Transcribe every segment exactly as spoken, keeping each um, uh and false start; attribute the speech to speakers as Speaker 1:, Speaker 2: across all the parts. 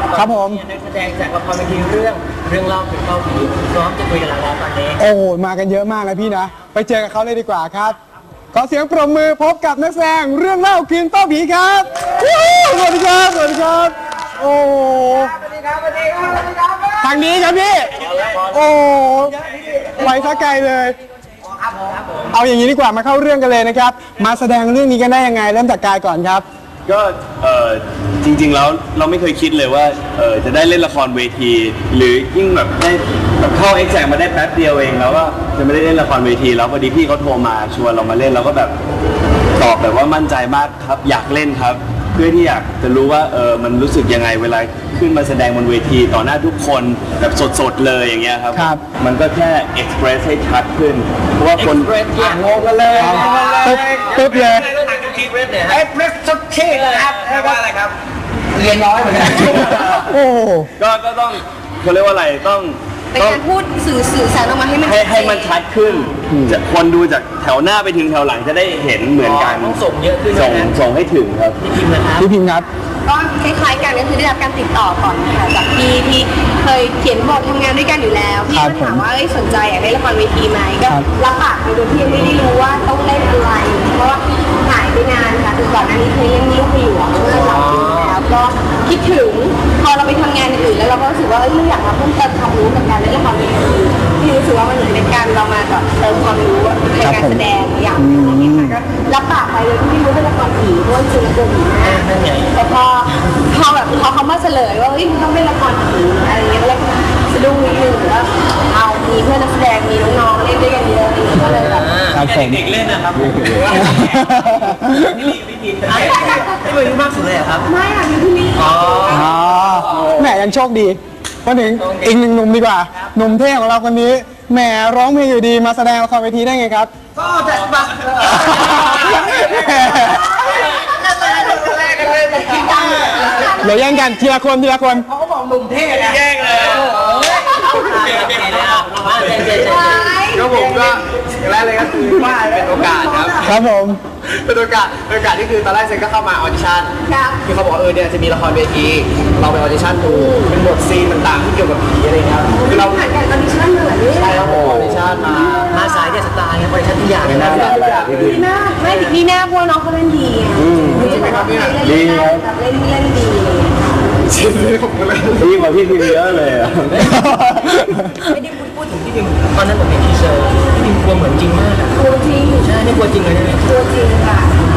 Speaker 1: ครับผม
Speaker 2: นักแสดงจากละครเวทีเรื่องเรื่องเล่าถึงเล่าผีพร้อมจะคุยกับเราแล้วตอนนี้
Speaker 1: โอ้โหมากันเยอะมากเลยพี่นะไปเจอกับเขาเลยดีกว่าครับขอเสียงปรบมือพบกับนักแสดงเรื่องเล่าคืนเต้าผีครับสวัสดีครับสวัสดีครับโอ้
Speaker 2: สวัสดีครับสวัสดีครับสวัสดีครับ
Speaker 1: ทางนี้ครับพี่โอ้ไปซะไกลเลยเอาอย่างนี้ดีกว่ามาเข้าเรื่องกันเลยนะครับมาแสดงเรื่องนี้กันได้ยังไงเริ่มจากกายก่อนครับ
Speaker 3: ก็เออจริงๆแล้วเราไม่เคยคิดเลยว่าเออจะได้เล่นละครเวทีหรือยิ่งแบบได้แบบเข้าเอ็กแซกมาได้แป๊บเดียวเองแล้วก็จะไม่ได้เล่นละครเวทีแล้วพอดีพี่เขาโทรมาชวนเรามาเล่นเราก็แบบตอบแบบว่ามั่นใจมากครับอยากเล่นครับเพื่อที่อยากจะรู้ว่าเออมันรู้สึกยังไงเวลาขึ้นมาแสดงบนเวทีต่อหน้าทุกคนแบบสดๆเลยอย่างเงี้ยครับมันก็แค่เอ็กซ์เพรสให้ชัดขึ้นเพราะว่าคน
Speaker 2: งงกันเลย
Speaker 1: ตึ๊บตึ๊บเลย
Speaker 2: เอ็กซ์เพรสสุดที่เลยครับแปลว่าอะไรครับเรียนน้อยเหมือนกัน
Speaker 1: โอ้
Speaker 3: ก็ก็ต้องเขาเรียกว่าอะไรต้อง
Speaker 4: เป็นการพูดสื่อสื่อสารออกมาให้มัน
Speaker 3: ให้ให้มันชัดขึ้นจะคนดูจากแถวหน้าไปถึงแถวหลังจะได้เห็นเหมือนกัน
Speaker 2: ต้องส่งเยอะขึ้น
Speaker 3: ส่งส่งให้ถึงครับ
Speaker 2: พี่พิมพ์นะครับ
Speaker 1: พี่พิมพ์ครับ
Speaker 4: ก็คล้ายๆกันก็คือได้รับการติดต่อก่อนค่ะจากพี่ที่เคยเขียนบททำงานด้วยกันอยู่แล้วพี่ก็ถามว่าสนใจอยากเล่นละครเวทีไหมก็รับปากไปโดยที่ยังไม่ได้รู้ว่าต้องเล่นอะไรเพราะว่าหายไปนานค่ะคือก่อนหน้านี้เคยเล่นลูกหลวงเมื่อสามปีแล้วก็คิดถึงพอเราไปทำงานอื่นแล้วเราก็รู้สึกว่าเอออยากมาเพิ่มเติมความรู้กับการเล่นละครเวทีพี่รู้สึกว่ามันเหมือนเป็นการเรามาแบบเติมความรู้ในการแสดงอย่างนี้ค่ะก็รับปากไปเลยที่ไม่รู้เป็นละครผีเพราะว่าจริงๆตัวผีมากแต่พอพอแบบพอเขามาเฉลยว่าเฮ้ยต้องเป็นละครผีอะไรเงี้ยแล้วสะดุ้งนิดนึงว่าเอามีเพื่อนนักแสดงมีน้องๆเล่นด้วยกันเยอะก็เลยแบบ
Speaker 2: เด็กๆเล่นนะครับนี่พี่พิมพ์นี่เป็นมากสุดเลยครับ
Speaker 4: ไม่ค่ะมีพี่นี่
Speaker 1: อ๋อแหมยังโชคดีมาถึงอีกหนึ่งหนุ่มดีกว่าหนุ่มเท่ของเราคนนี้แหมร้องเพลงอยู่ดีมาแสดงละครเวทีได้ไงครับ
Speaker 2: ก็จะมา
Speaker 1: เดี๋ยวแย่งกันทีละคนทีละคน
Speaker 2: เขาก็บอกหนุ่มเท่แย่งเลยก็ผมก็อย่างแรกเลยก็คือว่าเป็นโอกาสครับ
Speaker 1: ครับผม
Speaker 2: เป็นโอกาสเป็นโอกาสที่คือตอนแรกเซนก็เข้ามาออดิชั่นคือเขาบอกเออเนี่ยจะมีละครเวทีเราไปออดิชั่นดูเป็นบทซีนต่างๆที่เกี่ยวกับผีอะไรครับ
Speaker 4: คือเราผ่านการออดิชั่นเหมือนนี่
Speaker 2: ใช่ครับผมออดิชั่นมามาสายเดสตาร์เนี่ยออดิชั่นทุกอย่างเลยนะ
Speaker 4: ดีมากไม่ดีหน้าพวกน้องเขาเล่นดี
Speaker 3: ดีไหมครับเนี่ยดี
Speaker 4: ครับเล่นเล่นดี
Speaker 3: ชิมเลยผมเลยดีกว่าพี่พิมเยอะเลยอ่ะ
Speaker 2: ไม่ได้พูดถึงพี่พิมตอนนั้นผมเห็นทีเซอร์พี่พิมกลัวเหมือนจริงมาก
Speaker 4: กลัวจริง
Speaker 2: ใช่ไม่กลัวจริงเลยใช่ไหม
Speaker 4: กลัวจริงค่ะ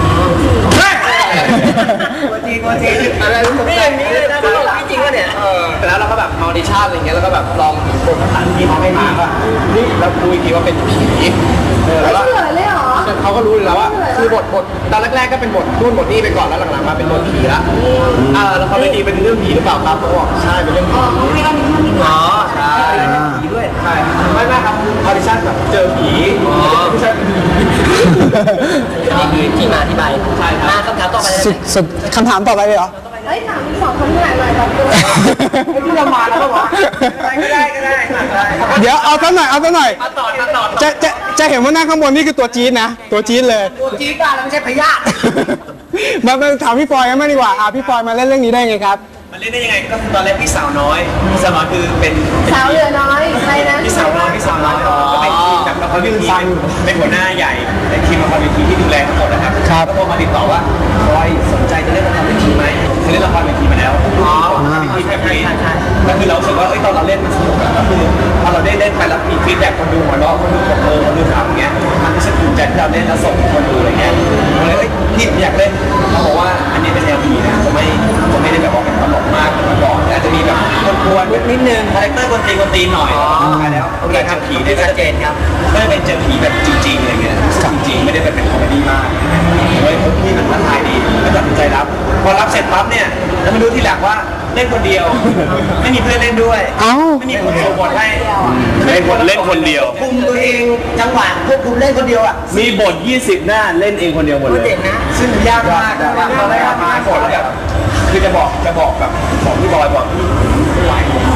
Speaker 2: กลัวจริงกลัวจริงอะไรไม่อย่างนี้เลยนะเขาบอกจริงว่าเนี่ยแล้วเราก็แบบออดิชั่นอะไรเงี้ยแล้วก็แบบลองบทภาษาที่เขาให้มาว่านี่แล้วคุยทีว่าเป็นผี
Speaker 4: แล้วก็เลยเหรอ
Speaker 2: เขาก็รู้แล้วว่าคือบทบทตอนแรกๆก็เป็นบทนู่นบทนี้ไปก่อนแล้วหลังๆมาเป็นบทผีละอ่าแล้วเขาไม่ดีเป็นเรื่องผีหรือเปล่าครับเขาบอกใช่เป็นเรื่องผี
Speaker 4: ไม่ต้องมีท่านี้
Speaker 2: อ๋อใช่ผีด้วยใช่ไม่ไม่ครับออดิชั่นแบบเจอผีไม่ใช่นี่คือที่มาที่ไปใช่ครับคำถามต่อไป
Speaker 1: สุดสุดคำถามต่อไปเลยเหรอ
Speaker 4: เฮ้ยถามสองคนที่ไหนหน่อยแบบ
Speaker 2: ไม่รู้จะมาแล้วก็บอกก็ได้ก็ได้
Speaker 1: เดี๋ยวเอาตั้งหน่อยเอาตั้งหน่อย
Speaker 2: ต่อต่อ
Speaker 1: จะจะจะเห็นว่านั่งข้างบนนี่คือตัวจี๊ดนะตัวจี๊ดเลย
Speaker 2: ตัวจี๊ดกันแล้วไม่ใช่พยาธิ
Speaker 1: มาถามพี่ฟอยกันบ้างดีกว่าอ่ะพี่ฟอยมาเล่นเรื่องนี้ได้ไงครับ
Speaker 2: มันเล่นได้ยังไงก็ตอนแรกพี่สาวน้อยพี่สาวน้อยคือเป็น
Speaker 4: สาวเหลือน้อยใครนะ
Speaker 2: พี่สาวน้อยพี่สาวน้อยก็เป็นทีมแบบละครเวทีเป็นหัวหน้าใหญ่ในทีมละครเวทีที่ดูแลทั้งหมดนะครับก็โทรมาติดต่อว่าฟอยสนใจจะเล่นละครเวทีไหมเคยเล่นละครเวทีมาแล้วอ๋อทีมแบบนี้ก็คือเราสึกว่าเอ้ยตอนเราเล่นมันสนุกก็คือพอเราได้เล่นไปแล้วมีฟีดแบ็กคนดูหัวเราะคนดูบอกเออคนดูขำอย่างเงี้ยมันรู้สึกภูมิใจที่เราเล่นแล้วส่งคนดูอะไรเงี้ยเลยเอ้ยพี่อยากเล่นเขาบอกว่าอันนี้เป็นแนวผีนะผมไม่ผมไม่ได้แบบว่าเป็นตลกมากเหมือนก่อนอาจจะมีแบบกวนๆนิดนึงคาแรคเตอร์คนตีคนตีหน่อยใช่แล้วโอเคครับผีได้ชัดเจนครับไม่ได้เป็นเจอผีแบบจริงๆอะไรเงี้ยจริงๆไม่ได้เป็นคอมเมดี้มากเฮ้ยพี่มันท้าทายดีแล้วตัดสินใจรับพอรับเสร็จปั๊บเนี่ยแล้วมาดูทีหลังว่าเล่นคนเดียวไม่มีเพื่อนเล่นด้วยไม่มีคนโชว์บทให้
Speaker 3: เล่นคนเล่นคนเดียว
Speaker 2: คุมตัวเองจังหวะควบคุมเล่นคนเดียวอ่ะ
Speaker 3: มีบทยี่สิบหน้าเล่นเองคนเดียวหมดเลย
Speaker 2: เด็กนะซึ่งยากมากว่าตอนแรกมาบทแบบคือจะบอกจะบอกแบบบอกพี่บอยบอกพี่ไม่ไหวผม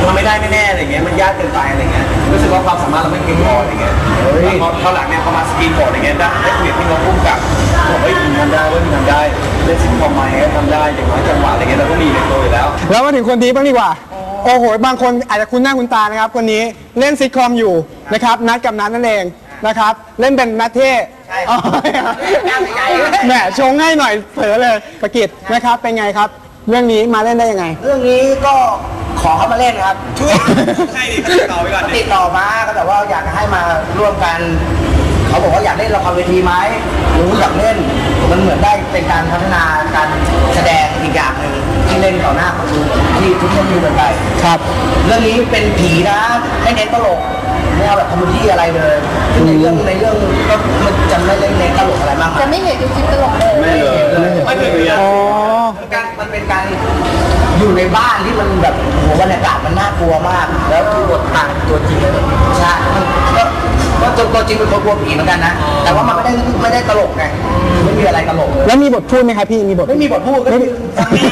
Speaker 2: ทำไม่ได้แน่ๆอะไรเงี้ยมันยากเกินไปอะไรเงี้ยรู้สึกว่าความสามารถเราไม่เพียงพออะไรเงี้ยพอตอนหลังเนี่ยพอมาสกรีนโหมดอะไรเงี้ยได้ได้คุยกับพี่น้องพุ่มกับบอกเฮ้ยมึงทำได้เว้ยมึงทำได้เล่นซิทคอมไหมทำได้อย่างน้อยจังหวะอะไรเงี้ยเราก็มีในตัวอยู่แล้ว
Speaker 1: แล้วมาถึงคนนี้บ้างดีกว่า โอ้โห บางคนอาจจะคุ้นหน้าคุ้นตานะครับ คนนี้เล่นซิทคอมอยู่นะครับ นัดกับนัดนั่นเองนะครับ เล่นเป็นนัทเท่อ๋อแหมชงให้หน่อยเผลอเลยประกิตนะครับ เป็นไงครับ เรื่องนี้มาเล่นได้ยังไง
Speaker 5: เรื่องนี้ก็ขอเขามาเล่นครับช่วย
Speaker 2: ใช่ดิติดต่อไปก่อนดิ
Speaker 5: ติดต่อมาก็แต่ว่าอยากจะให้มาร่วมกัน เขาบอกว่าอยากเล่นละครเวทีไหมรู้อยากเล่นมันเหมือนได้เป็นการพัฒนาการแสดงอีกอย่างหนึ่งที่เล่นต่อหน้าคนดูที่ทุกคนดูกันไป
Speaker 1: ครับ
Speaker 5: เรื่องนี้เป็นผีนะไม่เน้นตลกไม่เอาแบบคอมเมดี้อะไรเลยซึ่งในเรื่องในเรื่องก็มันจะไม่เล่นเน้นตลกอะไรมาก
Speaker 4: จะไม่เห็นดูคลิปตลกเลย
Speaker 3: ไม่เลยไม่เคยมีอะ
Speaker 1: อ๋อ
Speaker 5: การมันเป็นการอยู่ในบ้านที่มันแบบโอ้โหบรรยากาศมันน่ากลัวมาก แล้วคือบทต่างตัวจริงเลยใช่มันก็ก็ตัวตัวจริงเป็นคนกลัวผีเหมือนกันนะ แต่ว่ามันไม่ได้ไม่ได้ตลกไงไม่มีอะไรตลกเลย
Speaker 1: แล้วมีบทพูดไหมครับพี่ มีบท
Speaker 5: ไม่มีบทพูดก็คือฟังดี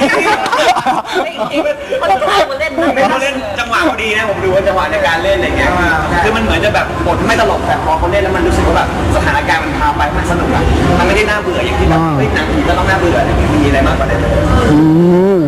Speaker 2: เขาเล่นเขาเล่นจังหวะพอดีนะผมดูว่าจังหวะในการเล่นอะไรเงี้ยคือมันเหมือนจะแบบบทไม่ตลกแต่พอเขาเล่นแล้วมันรู้สึกว่าแบบสถานการณ์มันพาไปมันสนุกอะมันไม่ได้น่าเบื่ออย่างที่แบบเฮ้ยหนังผีก็ต้องน่าเบื่ออะไรเงี้ยมีอะไรมากกว่านั้นเลย
Speaker 1: อืม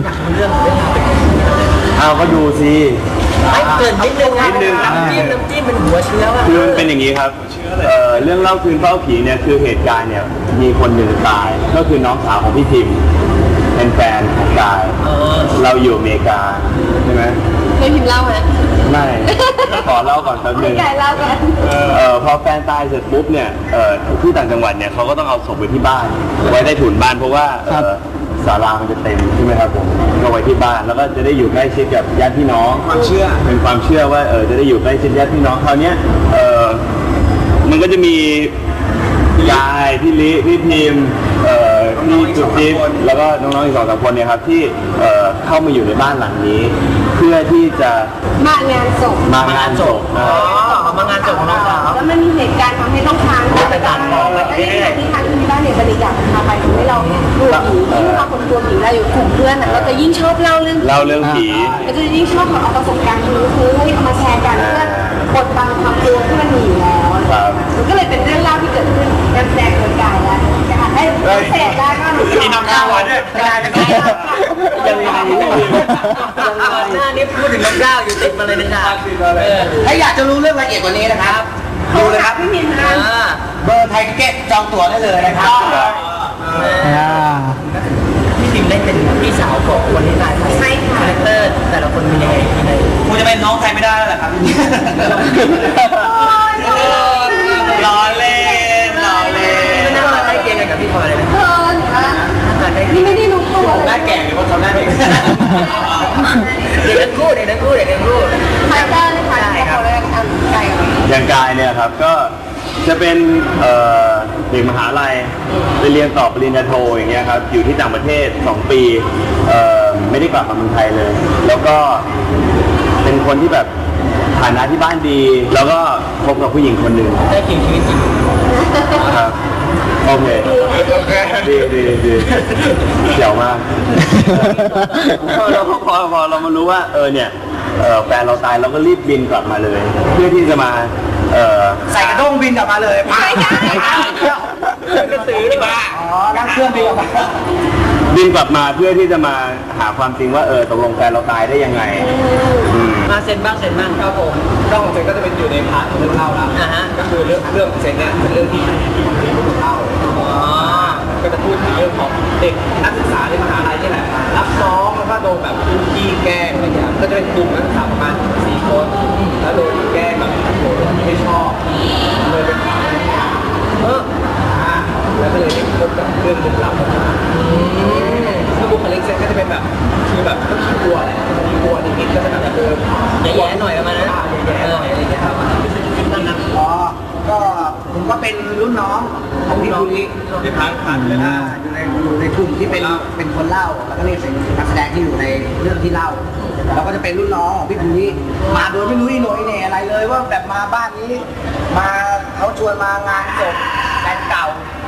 Speaker 3: เอาก็ดูสิ
Speaker 5: เกินนิดนึง
Speaker 3: นิดนึง
Speaker 5: น้ำจิ้มน้ำจิ้มเป็นหัวเชื้อว่ะ
Speaker 3: คือมันเป็นอย่างนี้ครับเอ่อเรื่องเล่าคืนเฝ้าผีเนี่ยคือเหตุการณ์เนี่ยมีคนหนึ่งตายก็คือน้องสาวของพี่พิมพ์เป็นแฟนของกายเราอยู่อเมริกาใช่ไหม
Speaker 4: เคยพิมพ์เล่าไหม
Speaker 3: ไม่ขอเล่าก่อนแป๊บนึง
Speaker 4: ใหญ่เล่ากัน
Speaker 3: เอ่อพอแฟนตายเสร็จปุ๊บเนี่ยเอ่อที่ต่างจังหวัดเนี่ยเขาก็ต้องเอาศพไว้ที่บ้านไว้ใต้ถุนบ้านเพราะว่าเอ่อศาลามันจะเต็มใช่ไหมครับผมก็ไว้ที่บ้านแล้วก็จะได้อยู่ใกล้ชิดกับญาติพี่น้อง
Speaker 2: ความเชื่อ
Speaker 3: เป็นความเชื่อว่าเออจะได้อยู่ใกล้ชิดญาติพี่น้องคราวเนี้ยเออมันก็จะมียายพี่ลิพี่พิมพ์เอ่อพี่จุ๊บจิ๊บแล้วก็น้องๆอีกสองสามคนเนี่ยครับที่เอ่อเข้ามาอยู่ในบ้านหลังนี้ เพื่อที่จะ
Speaker 4: มางานศพ
Speaker 3: มางานศพเอ่อ
Speaker 5: มางานจบของน้องสาว
Speaker 4: แล้วมันมีเหตุการณ์ทำให้ต้องค้างไปบ้านแล้วที่ที่ค้างที่บ้านเนี่ยบริจาคพาไปทำให้เรากลัวผียิ่งเราคนกลัวผีเราอยู่กลุ่มเพื่อนอ่ะเราจะยิ่งชอบเล่าเรื่อง
Speaker 3: เล่าเรื่องผี
Speaker 4: เราจะยิ่งชอบเอาประสบการณ์นี้คือให้เอามาแชร์กันเพื่อบดบังความกลัวที่มันมีอยู่แล้วมันก็เลยเป็นเรื่องเล่าที่เกิดขึ้นการแสดงโดยกายแล้วนะคะให้เสพได้ก็หนู
Speaker 2: มีน้ำข้าวด้วย
Speaker 5: กลายเป็นยังไงหน้านี้พูดถึงน้ำก้าวอยู่ติดมาเลยนะจ๊ะถ้าอยากจะรู้เรื่องละเอียดกว่านี้นะครับ ดูเลยครับ
Speaker 4: พี่มินนะ
Speaker 5: เบอร์ไทยทิเก็ตจองตั๋วได้เลยนะครับ
Speaker 1: อ่า
Speaker 5: พี่พิมเล่นเป็นพี่สาวของคนที่ตายไป
Speaker 4: ใช่ค่ะ
Speaker 5: คาแรคเตอร์แต่ละคนมียังไงยังไง
Speaker 2: คงจะเป็นน้องใครไม่ได้แล้วแหละครับล้อเล่นล้อเล่น
Speaker 5: ไม่น่ามาใกล้เคียงกันกับพี่พลอยเลยนะ
Speaker 4: เพิ่นนะ
Speaker 5: หน้าใกล้เคี
Speaker 4: นี่
Speaker 5: ยง
Speaker 4: ไม่ได้รู้ตัว
Speaker 2: หน้าแก่หรือว่าเขาหน้าเด็ก
Speaker 5: เด็กทั้งคู่เด็กทั้งคู่เด็กทั้งคู่
Speaker 4: คาแรคเตอร์นะคะที่เขาเรียกอันไก่
Speaker 3: อย่างกายเนี่ยครับก็จะเป็นเอ่อเด็กมหาลัยไปเรียนต่อปริญญาโทอย่างเงี้ยครับอยู่ที่ต่างประเทศสองปีเอ่อไม่ได้กลับมาเมืองไทยเลย แล้วก็เป็นคนที่แบบฐานะที่บ้านดี แล้วก็คบกับผู้หญิงคนหนึ่ง
Speaker 5: ได้เคียงชีวิตจริง
Speaker 3: นะครับโอเคดีดีดีเจ๋วมากเราพอพอเรามารู้ว่าเออเนี่ยเอ่อแฟนเราตายเราก็รีบบินกลับมาเลย เพื่อที่จะมาเอ่อ
Speaker 5: ใส่กระด้งบินกลับมาเลยไป
Speaker 2: กระสือดีกว่า
Speaker 5: อ๋อนั่งเครื่องบินกลับมา
Speaker 3: บินกลับมาเพื่อที่จะมาหาความจริงว่าเออตกลงแฟนเราตายได้ยังไงอืม
Speaker 5: มาเซ็นบ้างเซ็นบ้างครับผม
Speaker 2: เรื่องของเซนก็จะเป็นอยู่ในพาร์ทของเรื่องเล่าแล้ว
Speaker 5: อ่าฮะ
Speaker 2: ก็คือเรื่องเรื่องของเซนเนี่ยเป็นเรื่องที่ที่ผมเล่า
Speaker 5: อ๋อ
Speaker 2: ก็จะพูดถึงเรื่องของเด็กนักศึกษาในมหาลัยนี่แหละรับน้องแล้วก็โดนแบบขี้แกล้งอะไรอย่างเงี้ยก็จะเป็นกลุ่มนักศึกษาประมาณสี่คนแล้วโดนแกล้งแบบโดนไม่ชอบเลยเป็นข่าวเอออ่าแล้วก็เลยได้พบกับเรื่องลึกลับซึ่งบุคลิกเซนก็จะเป็นแบบคือแบบก็ขี้กลัวแหละขี้กลัวนิดๆก็จะแบบเออ
Speaker 5: แย่ๆหน่อยประมาณนั้น
Speaker 2: แย่ๆหน่อยอะไรอย่างเงี้ยครับนั่นนะ
Speaker 5: อ๋อ ก็ผมก็เป็นรุ่นน้องของพี่ภูริ
Speaker 2: ที่ผ่านผ่านเลย
Speaker 5: อ่า
Speaker 2: นะ
Speaker 5: อยู่ในอยู่ในกลุ่มที่เป็นเป็นคนเล่า แล้วก็เรียกเป็นนักแสดงที่อยู่ในเรื่องที่เล่า แล้วก็จะเป็นรุ่นน้องของพี่ภูริมาโดยไม่รู้อีโหน่อีเหน่อะไรเลยว่าแบบมาบ้านนี้ มาเขาชวนมางานศพแฟนเก่า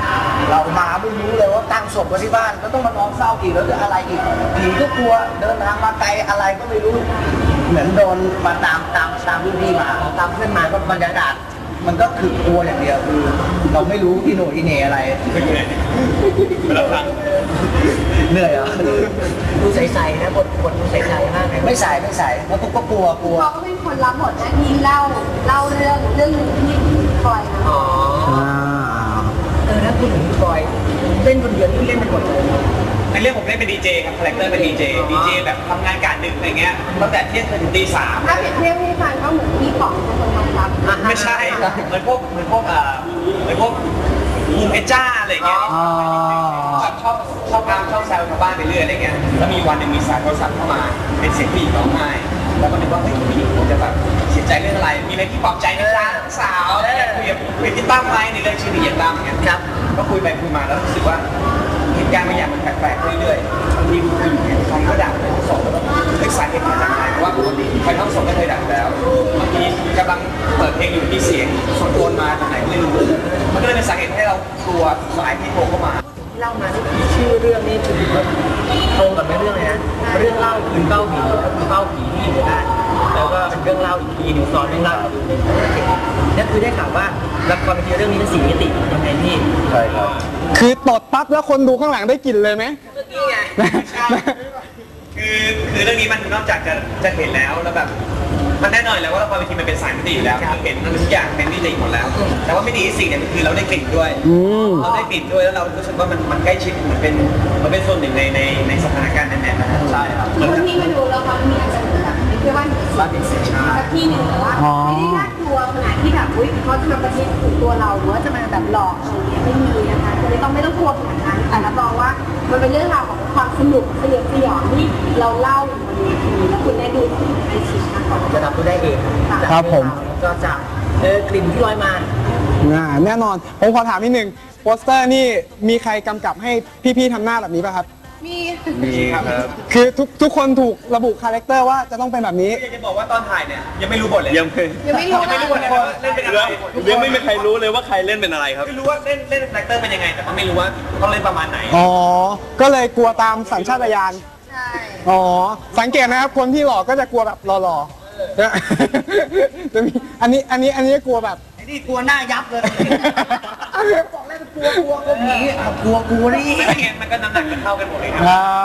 Speaker 5: เรามาไม่รู้เลยว่าตั้งศพไว้ที่บ้านก็ต้องมานอนเศร้าอีกแล้วจะอะไรอีกผีก็กลัวเดินทางมาไกลอะไรก็ไม่รู้เหมือนโดนมาตามตามตามรุ่นพี่มาตามเพื่อนมาก็บรรยากาศมันก็คือกลัวอย่างเดียวคือเราไม่รู้อีโหนอีเหน่อะไร
Speaker 2: เราฟัง
Speaker 5: เหนื่อยเหรอ
Speaker 6: ดูใสๆนะบทบทดูใสๆมากเลย
Speaker 5: ไม่ใส่ไม่ใส่เพราะก็กลัวกลัว
Speaker 4: เขาก็เป็นคนรับบทหน้าที่เล่าเล่าเรื่องเรื่องหนึ่งที่คอยนะ
Speaker 6: อ๋อเออแล้วคุณถึงพี่บอยเล่นคนเดียวนี่เล่นเป็นหมดเลย
Speaker 2: ในเรื่องผมเล่นเป็นดีเจครับคาแรคเตอร์เป็นดีเจดีเจแบบทำงานกะดึกอะไรเงี้ยตั้งแต่เที่ยงคืนถึงตีสาม
Speaker 4: ถ้าเปรียบเทียบให้ฟังก็เหมือนพี่ป๋องเป็นคนทำรับ
Speaker 2: ไม่ใช่เหมือนพวกเหมือนพวกเอ่อเหมือนพวกมูเพชจ้าอะไรเงี้ยชอบชอบชอบตามชอบแซวชาวบ้านไปเรื่อยอะไรเงี้ยแล้วมีวันหนึ่งมีสายโทรศัพท์เข้ามาเป็นเสียงผู้หญิงร้องไห้แล้วก็นึกว่าเฮ้ยผู้หญิงคงจะแบบเสียใจเรื่องอะไรมีอะไรที่ปลอบใจนะจ๊ะสาวแล้วคุยกับคุยกับพี่ตั้มไหมในเรื่องชื่อดีเย็นตั้มเงี้ยครับก็คุยไปคุยมาแล้วรู้สึกว่าเหตุการณ์บางอย่างมันแปลกๆเรื่อยๆบางทีคุยอยู่เนี่ยใครก็ด่าเลยทั้งสองแล้วเฮ้ยสาเหตุมาจากไหนเพราะว่าปกติใครทั้งสองก็เคยด่าแล้วบางทีกำลังเปิดเพลงอยู่ที่เสียงส่วนโดนมาจากไหนไม่รู้มันก็เลยเป็นสาเหตุให้เรากลัวสายที่โทรเข้ามา
Speaker 6: ที่เล่ามาที่ชื่อเรื่องนี่คือตรงกับในเรื่องเลยนะเรื่องเล่าคืนเป้าผีก็คือเป้าผีที่อยู่ในบ้านแล้วก็เป็นเรื่องเล่าอีกทีหนึ่งซ้อนเรื่องเล่าอีกทีนั่นคือได้ข่าวว่าละครเป็นเรื่องนี้เป็นสี่มิติยังไงพี่
Speaker 3: ใช่ครับ
Speaker 1: คือตดปั๊บแล้วคนดูข้างหลังได้กลิ่นเลยไหม
Speaker 6: เมื่อกี้ไง
Speaker 2: คือคือเรื่องนี้มันนอกจากจะจะเห็นแล้วแล้วแบบมันแน่นอนแล้วว่าละครเวทีมันเป็นสายมิติอยู่แล้วคือเห็นมันทุกอย่างเป็นมิติหมดแล้ว แต่ว่ามิติที่สี่เนี่ยคือเราได้กลิ่นด้วย
Speaker 1: อืม
Speaker 2: เราได้กลิ่นด้วยแล้วเรารู้สึกว่ามันมันใกล้ชิดมันเป็นมันเป็นส่วนหนึ่งในในในสถานการณ์นั้นๆนะครับใช่ครับ
Speaker 4: คนที่มาดูแล้วเขามีอาจจะแบบไม่ใช่ว่าบ้านเป็นสินค้าสักที่หนึ่งแต่ว่าไม่ได้น่ากลัวขนาดที่แบบอุ้ยเขาจะมาประชิดถึงตัวเราหรือว่าจะมาแบบหลอกอะไรเงี้ยไม่มีนะคะคือไม่ต้องไม่ต้องกลัวขนาดนั้นแต่รับรองว่ามันเป็นเรื่องราวของความสนุกสยดสยองที่เราเล่าอยู่บนเวทีแล้วคุณได้ดูในชิ้นนะคะ
Speaker 6: จะรับรู้ได้เอง
Speaker 1: ครับผม
Speaker 6: ก็จากเออกลิ่นที่ลอยมา
Speaker 1: อ่าแน่นอน ผมขอถามนิดนึงโปสเตอร์นี่มีใครกำกับให้พี่ๆทำหน้าแบบนี้ป่ะครับ
Speaker 4: มี
Speaker 3: มีครับ
Speaker 1: คือทุกทุกคนถูกระบุคาแรคเตอร์ว่าจะต้องเป็นแบบนี้
Speaker 2: อยากจะบอกว่าตอนถ่ายเนี่ยยังไม่รู้บทเลย
Speaker 3: ยังไม่
Speaker 4: ยังไม่รู้
Speaker 2: ยังไม่รู้บทเลยว่าเล่นเป็นอะไร
Speaker 3: ยังไม่มีใครรู้เลยว่าใครเล่นเป็นอะไรครับ
Speaker 2: ไม่รู้ว่าเล่นเล่นคาแรคเตอร์เป็นยังไงแต่ก็ไม่รู้ว่าต้องเล่นประมาณไหน
Speaker 1: อ๋อ ก็เลยกลัวตามสัญชาตญาณ
Speaker 4: ใช่
Speaker 1: อ๋อ สังเกตนะครับ คนที่หล่อก็จะกลัวแบบหล่อๆนะจะมีอันนี้อันนี้อันนี้กลัวแบบ
Speaker 5: ไอ้นี่กลัวหน้ายับเลยบอกแล้วกลัวกลัวกลัวผีอ่ะกลัวกลัวนี่
Speaker 2: ไม่งั้นมันก็น้ำหนักจะเท่ากันหมดเลยครับ
Speaker 1: อ่า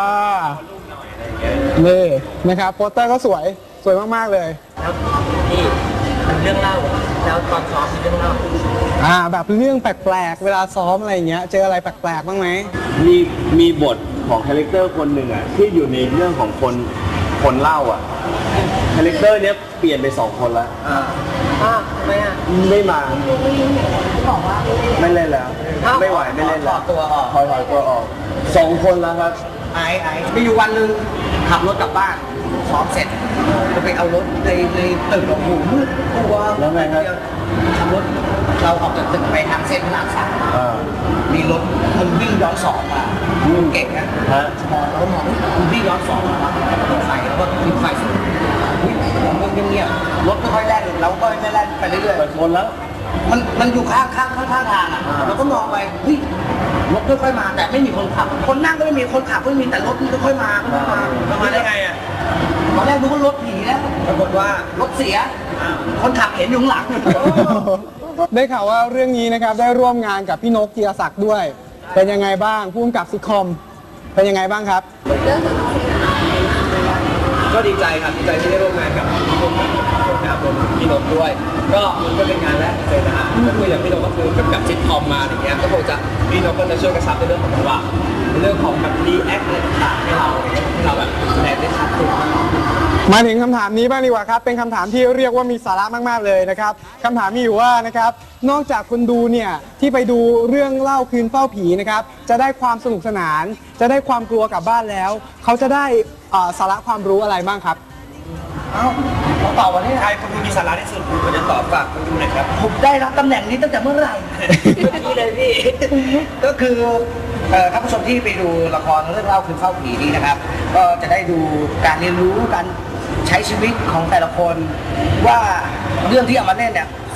Speaker 1: นี่นะครับโปสเตอร์ก็สวยสวยมากๆเลย
Speaker 6: แล้วนี่มันเรื่องเล่าแล้วตอนซ้อมมีเรื่องเล่า
Speaker 1: อ่าแบบเรื่องแปลกๆ เวลาซ้อมอะไรอย่างเงี้ย เจออะไรแปลกๆบ้างไหม
Speaker 3: มีมีบทของคาแรคเตอร์คนหนึ่งอ่ะที่อยู่ในเรื่องของคนคนเล่าอ่ะคาแรคเตอร์เนี้ยเปลี่ยนไปสองคนละ
Speaker 6: อ้าวทำไมอ่ะ
Speaker 3: ไม่มา
Speaker 4: บอกว่าไม่ได้
Speaker 3: ไม่เล่นแล้ว
Speaker 6: อ้าว
Speaker 3: ไม่ไหวไม่เล่น
Speaker 5: ถ
Speaker 3: แล้
Speaker 5: อ
Speaker 3: ว
Speaker 5: ดตัวออก
Speaker 3: ถอยถอยตัวออกสองคนแล้วครับ
Speaker 5: ไอ้ไอ้มีอยู่วันหนึ่งขับรถกลับบ้านซ้อมเสร็จจะไปเอารถในในตึกโอ้โหมืดกลัว
Speaker 3: แล้วไงครับ
Speaker 5: ขับรถเราออกจากตึกไปทางเส้นพระรามสาม
Speaker 3: อ่า
Speaker 5: มีรถมันวิ่งย้อนสอนมาเก่งนะ
Speaker 3: ฮะ
Speaker 5: มองแล้วมองมันวิ่งย้อนสอนมาเปิดไฟแล้วก็ปิดไฟสุดวิ่งเงียบๆรถไม่ค่อยแล่นเราก็ไม่แล่นไปเรื่อย
Speaker 3: เปิดชนแล้ว
Speaker 5: ๆมันมันอยู่ข้างข้างข้างข้างทางอ่ะเราก็มองไปเฮ้ยรถค่อยๆมาแต่ไม่มีคนขับ คนนั่งก็ไม่มีคนขับก็ไม่มีแต่รถมันค่อยๆมาค่อยๆมา
Speaker 2: ประมาณได้ไงอ่ะ
Speaker 5: ตอนแรกนึกว่ารถผีแล้ว
Speaker 2: ปรากฏว่า
Speaker 5: รถเสีย คนขับเห็นอยู่ข้างหลัง
Speaker 1: ได้ข่าวว่าเรื่องนี้นะครับได้ร่วมงานกับพี่นกจีรศักดิ์ด้วย เป็นยังไงบ้างผู้กำกับซิทคอมเป็นยังไงบ้างครับ
Speaker 4: เรื่องของเรา
Speaker 2: ก็ดีใจครับดีใจที่ได้ร่วมงานกับพี่นกนะครับรวมถึงพี่นกด้วย ก็มันก็เป็นงานแรกเลยนะฮะก็คืออย่างพี่นกก็คือกำกับซิทคอมมาอย่างเงี้ยก็คงจะพี่นกก็จะช่วยกระชับในเรื่องของจังหวะในเรื่องของแบบรีแอคอะไรต่างๆให้เราให้เราแบบแสดงได้ชัดขึ้น
Speaker 1: มาถึงคำถามนี้บ้างดีกว่าครับ เป็นคำถามที่เรียกว่ามีสาระมากๆเลยนะครับคำถามมีอยู่ว่านะครับนอกจากคนดูเนี่ยที่ไปดูเรื่องเล่าคืนเฝ้าผีนะครับจะได้ความสนุกสนาน จะได้ความกลัวกลับบ้านแล้ว เขาจะได้เอ่อสาระความรู้อะไรบ้างครับ
Speaker 5: เอ้าเราตอบวันนี้
Speaker 2: ใครคนดูมีสาระที่สุดคุณควรจะตอบฝากคนดูหน่อยครับ
Speaker 5: ผมได้รับตำแหน่งนี้ตั้งแต่เมื่อไหร่
Speaker 6: นี่เลยพี่
Speaker 5: ก็คือเอ่อท่านผู้ชมที่ไปดูละครเรื่องเล่าคืนเฝ้าผีนี้นะครับ ก็จะได้ดูการเรียนรู้การใช้ชีวิตของแต่ละคน ว่าเรื่องที่เอามาเล่นเนี่ยค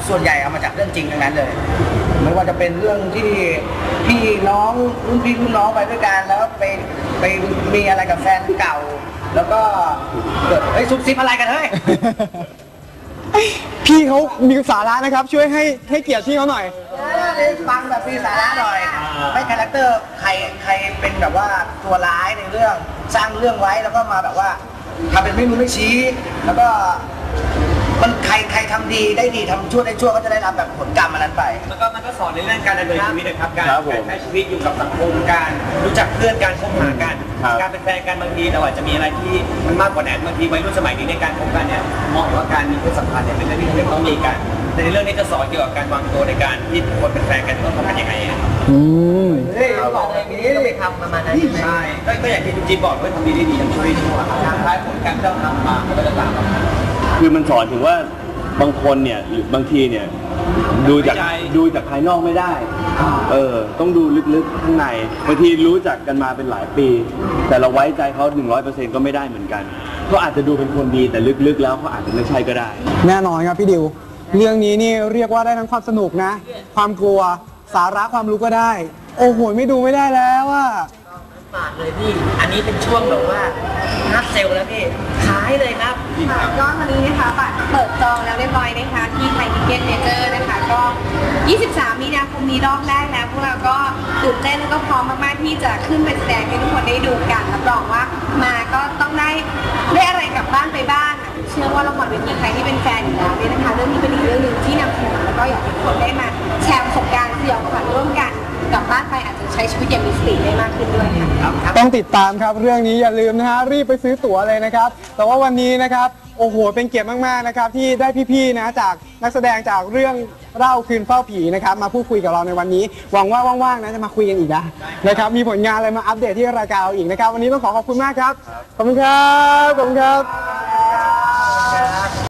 Speaker 5: ส่วนใหญ่เอามาจากเรื่องจริงทั้งนั้นเลย ไม่ว่าจะเป็นเรื่องที่พี่น้องรุ่นพี่รุ่นน้องไปด้วยกันแล้วไปไปมีอะไรกับแฟนเก่า แล้วก็เกิดเฮ้ยซุบซิบอะไรกันเฮ้ย
Speaker 1: พี่เขามีสาระนะครับ ช่วยให้ให้เกียรติพี่เขาหน่อย
Speaker 5: ฟังแบบมีสาระหน่อย ไม่คาแรคเตอร์ใครใครเป็นแบบว่าตัวร้ายในเรื่องสร้างเรื่องไว้แล้วก็มาแบบว่าทำเป็นไม่รู้ไม่ชี้ แล้วก็มันใครใครทำดีได้ดีทำชั่วได้ชั่วก็จะได้รับแบบผลกรรมอันนั้นไป
Speaker 2: แล้วก็มันก็สอนในเรื่องการดำเนินชีวิตนะครับการ
Speaker 3: ครับผม
Speaker 2: การใช้ชีวิตอยู่กับสังคมการรู้จักเพื่อนการคบหากัน
Speaker 3: ครับ
Speaker 2: การเป็นแฟนกันบางทีเราอาจจะมีอะไรที่มันมากกว่านั้นบางทีวัยรุ่นสมัยนี้ในการคบกันเนี่ยมองว่าการมีเพศสัมพันธ์เนี่ยเป็นเรื่องที่จะต้องมีกันแต่ในเรื่องนี้จะสอนเกี่ยวกับการวางตัวในการที่คนเป็นแฟนกันต้องทำกันยังไงอะ
Speaker 1: อืม
Speaker 5: เฮ้ยบอกเลยนี้ต้องไปทำประมาณนั้นใช่ไหม
Speaker 2: ใช่ก็ก็อย่างที่คุณจิ๊บบอกว่าทำดีได้ดีทำชั่วได้ชั่วทางท้ายผลการที่เราทำมามันก็จะตามมา
Speaker 3: คือมันสอนถึงว่าบางคนเนี่ยหรือบางทีเนี่ยดูจาก
Speaker 2: ใจ
Speaker 3: ดูจากภายนอกไม่ได้ เออ ต้องดูลึกๆข้างในบางทีรู้จักกันมาเป็นหลายปี แต่เราไว้ใจเขาหนึ่งร้อยเปอร์เซ็นต์ก็ไม่ได้เหมือนกันเขาอาจจะดูเป็นคนดีแต่ลึกๆแล้วเขาอาจจะไม่ใช่ก็ได้
Speaker 1: แน่นอนครับพี่ดิว เรื่องนี้นี่เรียกว่าได้ทั้งความสนุกนะ ความกลัวสาระความรู้ก็ได้ โอ้โหไม่ดูไม่ได้แล้วว่า
Speaker 6: ฝากเลยพี่ อันนี้เป็นช่วงแบบว่านัดเซลล์แล้วพี่ขายเลยครับ
Speaker 4: ค่ะก็ตอนนี้นะคะบัตรเปิดจองแล้วเรียบร้อยนะคะที่ไทยทิเก็ตเมเจอร์นะคะก็ ยี่สิบสาม มีนาคมนี้รอบแรกแล้วพวกเราก็ตื่นเต้นแล้วก็พร้อมมากๆที่จะขึ้นไปแสดงให้ทุกคนได้ดูกันรับรองว่ามาก็ต้องได้ได้อะไรกลับบ้านไปบ้างอะเชื่อว่าละครเวทีใครที่เป็นแฟนอยู่แล้วเนี่ยนะคะเรื่องนี้เป็นอีกเรื่องหนึ่งที่นำเสนอแล้วก็อยากให้ทุกคนได้มาแชร์ประสบการณ์สยองขวัญร่วมกันกลับบ้านไปอาจจะใช้ชีวิตอย่างมีสติได้มากขึ้นด้วยค่ะ
Speaker 1: ต้องติดตามครับเรื่องนี้อย่าลืมนะฮะรีบไปซื้อตั๋วเลยนะครับ แต่ว่าวันนี้นะครับโอ้โหเป็นเกียรติมากๆนะครับที่ได้พี่ๆนะจากนักแสดงจากเรื่องเล่าคืนเฝ้าผีนะครับมาพูดคุยกับเราในวันนี้หวังว่าว่างๆนะจะมาคุยกันอีกนะนะครับมีผลงานอะไรมาอัปเดตที่รายการเราอีกนะครับวันนี้ต้องขอขอบคุณมากครับขอบคุณครับขอบคุณครับ